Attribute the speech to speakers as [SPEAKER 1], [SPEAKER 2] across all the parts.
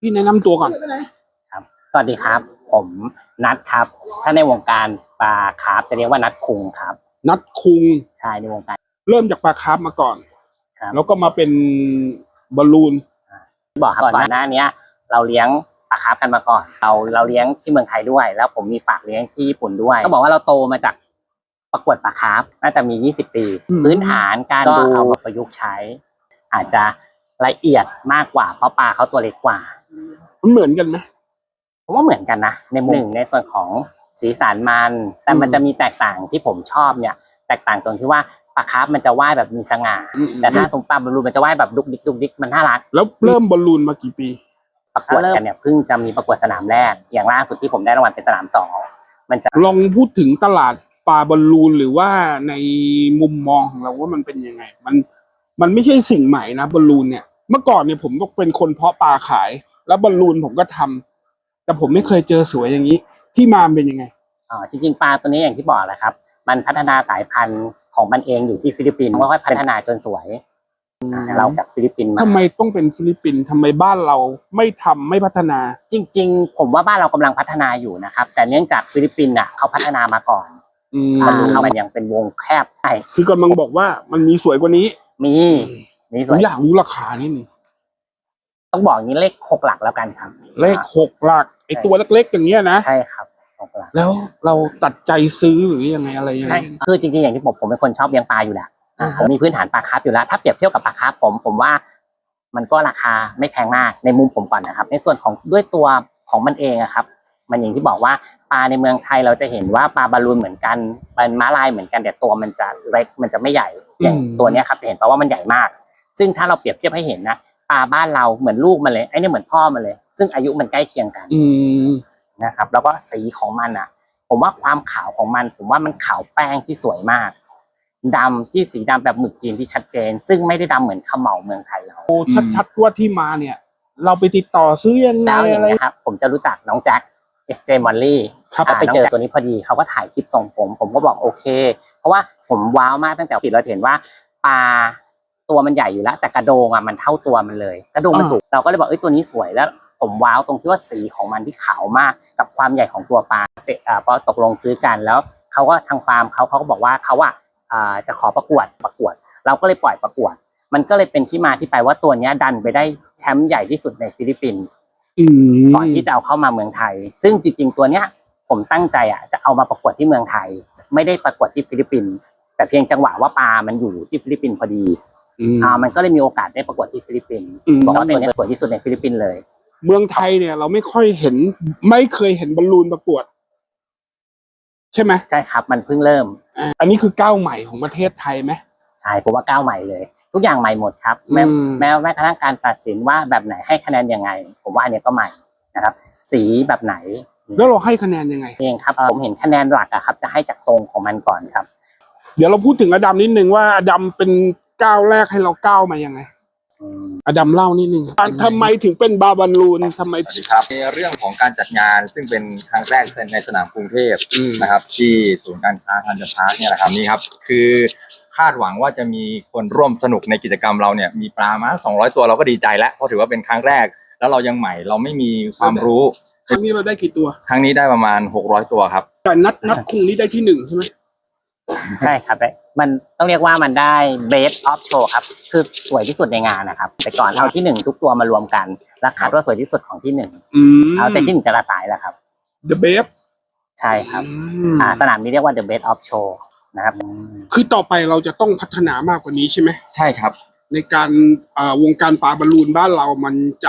[SPEAKER 1] พี่แนะนำตัวก่อน
[SPEAKER 2] ครับสวัสดีครับผมนัทครับถ้าในวงการปลาคาร์ฟจะเรียกว่านัทคุงครับ
[SPEAKER 1] นัทคุง
[SPEAKER 2] ใช่ในวงการ
[SPEAKER 1] เริ่มจากปลาคาร์ฟมาก่อน
[SPEAKER 2] ครับ
[SPEAKER 1] แล้วก็มาเป็นบอลลูน
[SPEAKER 2] บอกครับก่อนหน้านี้เราเลี้ยงปลาคาร์ฟกันมาก่อนเราเลี้ยงที่เมืองไทยด้วย แล้วผมมีฝากเลี้ยงที่ญี่ปุ่นด้วยต้องบอกว่าเราโตมาจากประกวดปลาคาร์ฟน่าจะมี20 ปีพื้นฐานการดูเอามาประยุกต์ใช้ อาจจะละเอียดมากกว่าเพราะปลาเขาตัวเล็กกว่า
[SPEAKER 1] มันเหมือนกันไหม
[SPEAKER 2] ผมว่าเหมือนกันนะในมุมหนึ่งในส่วนของสีสันมันแต่มันจะมีแตกต่างที่ผมชอบเนี่ยแตกต่างตรงที่ว่าปลาคาร์ฟมันจะว่ายแบบมีสง่าแต่ถ้าสมปลาบอลลูนมันจะว่ายแบบดุกดิกดุกดิกมันน่ารัก
[SPEAKER 1] แล้วเริ่มบอลลูนมากี่ปี
[SPEAKER 2] ประกวดกันเนี่ยเพิ่งจะมีประกวดสนามแรกอย่างล่าสุดที่ผมได้รางวัลเป็นสนาม2มันจะ
[SPEAKER 1] ลองพูดถึงตลาดปลาบอลลูนหรือว่าในมุมมองของเราว่ามันเป็นยังไงมันไม่ใช่สิ่งใหม่นะบอลลูนเนี่ยเมื่อก่อนเนี่ยผมก็เป็นคนเพาะปลาขายแล้วบอลลูนผมก็ทำแต่ผมไม่เคยเจอสวยอย่างนี้ที่มาเป็นยังไง
[SPEAKER 2] จริงๆปลาตัวนี้อย่างที่บอกแหละครับมันพัฒนาสายพันธุ์ของมันเองอยู่ที่ฟิลิปปินส์ค่อยๆพัฒนาจนสวยเราจากฟิลิปปินส์มา
[SPEAKER 1] ทำไมต้องเป็นฟิลิปปินส์ทำไมบ้านเราไม่พัฒนา
[SPEAKER 2] จริงๆผมว่าบ้านเรากำลังพัฒนาอยู่นะครับแต่เนื่องจากฟิลิปปินส์เขาพัฒนามาก่อนมันยังเป็นวงแคบใช่
[SPEAKER 1] คือกำลังบอกว่ามันมีสวยกว่านี้
[SPEAKER 2] มี
[SPEAKER 1] สวยอยากรู้ราคานิดนึง
[SPEAKER 2] ต้องบอกอย่างนี้เลข6 หลักแล้วกันครับ
[SPEAKER 1] เลข6 หลักไอตัวเล็กๆอย่างเงี้ยนะ
[SPEAKER 2] ใช่ครับ6 หลัก
[SPEAKER 1] แล้วเราตัดใจซื้อหรือยังไงอะไรยังไง
[SPEAKER 2] ใช่คือจริงๆอย่างที่ผมเป็นคนชอบเลี้ยงปลาอยู่แล้วผมมีพื้นฐานปลาคาร์ฟอยู่แล้วถ้าเปรียบเทียบกับปลาคาร์ฟผมว่ามันก็ราคาไม่แพงมากในมุมผมก่อนนะครับในส่วนของด้วยตัวของมันเองครับมันอย่างที่บอกว่าปลาในเมืองไทยเราจะเห็นว่าปลาบอลลูนเหมือนกันเป็นม้าลายเหมือนกันแต่ตัวมันจะเล็กมันจะไม่ใหญ่อย่างตัวนี้ครับจะเห็นเพราะว่ามันใหญ่มากซึ่งถ้าเราเปรียบเทียบให้เห็นนะปลาบ้านเราเหมือนลูกมันเลยไอ้นี่เหมือนพ่อมันเลยซึ่งอายุมันใกล้เคียงกันนะครับแล้วก็สีของมันผมว่าความขาวของมันผมว่ามันขาวแป้งที่สวยมากดำที่สีดำแบบหมึกจีนที่ชัดเจนซึ่งไม่ได้ดำเหมือนเขม่าเมืองไทยเรา
[SPEAKER 1] โอ้ชัดๆว่าที่มาเนี่ยเราไปติดต่อซื้อยังไง
[SPEAKER 2] อะไรครับผมจะรู้จักน้องแจ็คSJ Molly ไปเจอตัวนี้พอดีเขาก็ถ่ายคลิปส่งผมก็บอกโอเคเพราะว่าผมว้าวมากตั้งแต่เราเห็นว่าปลาตัวมันใหญ่อยู่แล้วแต่กระโดงมันเท่าตัวมันเลยกระโดงมันสูงเราก็เลยบอกตัวนี้สวยแล้วผมว้าวตรงที่ว่าสีของมันที่ขาวมากกับความใหญ่ของตัวปลาเสร็จพอตกลงซื้อกันแล้วเขาก็ทางฟาร์มเขาก็บอกว่าเขาจะขอประกวดเราก็เลยปล่อยประกวดมันก็เลยเป็นที่มาที่ไปว่าตัวนี้ดันไปได้แชมป์ใหญ่ที่สุดในฟิลิปปินส์ก่อนที่จะเอาเข้ามาเมืองไทยซึ่งจริงๆตัวเนี้ยผมตั้งใจจะเอามาประกวดที่เมืองไทยไม่ได้ประกวดที่ฟิลิปปินส์แต่เพียงจังหวะว่าปลามันอยู่ที่ฟิลิปปินส์พอดีมันก็เลยมีโอกาสได้ประกวดที่ฟิลิปปินส์บอกว่าตัวนี้สวยที่สุดในฟิลิปปินส์เลย
[SPEAKER 1] เมืองไทยเนี่ยเราไม่เคยเห็นบอลลูนประกวดใช่ไหม
[SPEAKER 2] ใช่ครับมันเพิ่งเริ่ม
[SPEAKER 1] อันนี้คือก้าวใหม่ของประเทศไทยไหม
[SPEAKER 2] ใช่ผมว่าก้าวใหม่เลยทุกอย่างใหม่หมดครับแม้กระทั่งการตัดสินว่าแบบไหนให้คะแนนยังไงผมว่าอันนี้ก็ใหม่นะครับสีแบบไหน
[SPEAKER 1] แล้วเราให้คะแนนยังไง
[SPEAKER 2] เองครับผมเห็นคะแนนหลักครับจะให้จากทรงของมันก่อนครับ
[SPEAKER 1] เดี๋ยวเราพูดถึงอดัมนิดนึงว่าอดัมเป็นก้าวแรกให้เราก้าวมายังไงอดัมเล่านิดนึงทำไมถึงเป็นบาบอลลูนทำไม
[SPEAKER 3] ครับในเรื่องของการจัดงานซึ่งเป็นครั้งแรกในสนามกรุงเทพนะครับที่ศูนย์การค้าธัญพาร์คเนี่ยแหละครับนี่ครับคือคาดหวังว่าจะมีคนร่วมสนุกในกิจกรรมเราเนี่ยมีปลามา200 ตัวเราก็ดีใจแล้วเพราะถือว่าเป็นครั้งแรกแล้วเรายังใหม่เราไม่มีความรู้
[SPEAKER 1] ครั้งนี้เราได้กี่ตัว
[SPEAKER 3] ครั้งนี้ได้ประมาณ600 ตัวครับ
[SPEAKER 1] แต่นัดคุงนี้ได้ที่1ใช่ไหม
[SPEAKER 2] ใช่ครับมันต้องเรียกว่ามันได้ Best of Show ครับคือสวยที่สุดในงานนะครับแต่ก่อนเอาที่1ทุกตัวมารวมกันแล้วคัดว่าสวยที่สุดของที่1เอาแต่ที่1แต่ละสายแหละครับ
[SPEAKER 1] The Best
[SPEAKER 2] ใช่ครับสนามนี้เรียกว่า The Best of Show นะครับ
[SPEAKER 1] คือต่อไปเราจะต้องพัฒนามากกว่านี้ใช่ไหม
[SPEAKER 3] ใช่ครับ
[SPEAKER 1] ในการวงการปลาบอลลูนบ้านเรามันจะ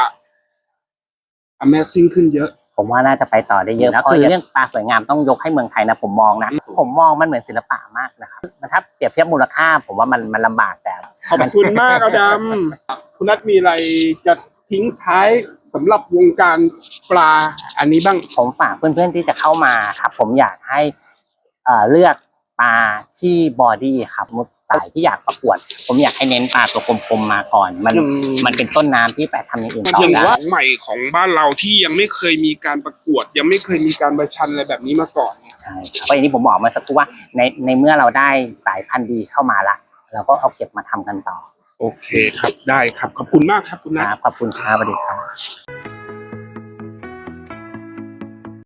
[SPEAKER 1] Amazing ขึ้นเยอะ
[SPEAKER 2] ผมว่าน่าจะไปต่อได้เยอะแล้วคือเรื่องปลาสวยงามต้องยกให้เมืองไทยนะผมมองมันเหมือนศิลปะมากนะครับถ้าเปรียบเทียบมูลค่าผมว่ามันลำบากแต่
[SPEAKER 1] ขอบคุณมากอดัมคุณนัทมีอะไรจะทิ้งท้ายสำหรับวงการปลาอันนี้บ้าง
[SPEAKER 2] ผมฝากเพื่อนๆที่จะเข้ามาครับผมอยากให้เลือกปลาที่บอดี้ครับสายที่อยากประกวดผมอยากให้เน้นปลาตัวกลมๆมาก่อนมันเป็นต้นน้ำที่ไปทำอย่างอื่นต่อได้
[SPEAKER 1] ใหม่ของบ้านเราที่ยังไม่เคยมีการประกวดยังไม่เคยมีการประชันอะไรแบบนี้มาก่อน
[SPEAKER 2] ใช่เพราะอย่างที่ผมบอกมาสักครู่ว่าในเมื่อเราได้สายพันธุ์ดีเข้ามาละเราก็เอาเก็บมาทำกันต่อ
[SPEAKER 1] โอเคครับได้ครับขอบคุณมากครับคุณนัท
[SPEAKER 2] ขอบคุณครับสวัสดีครับ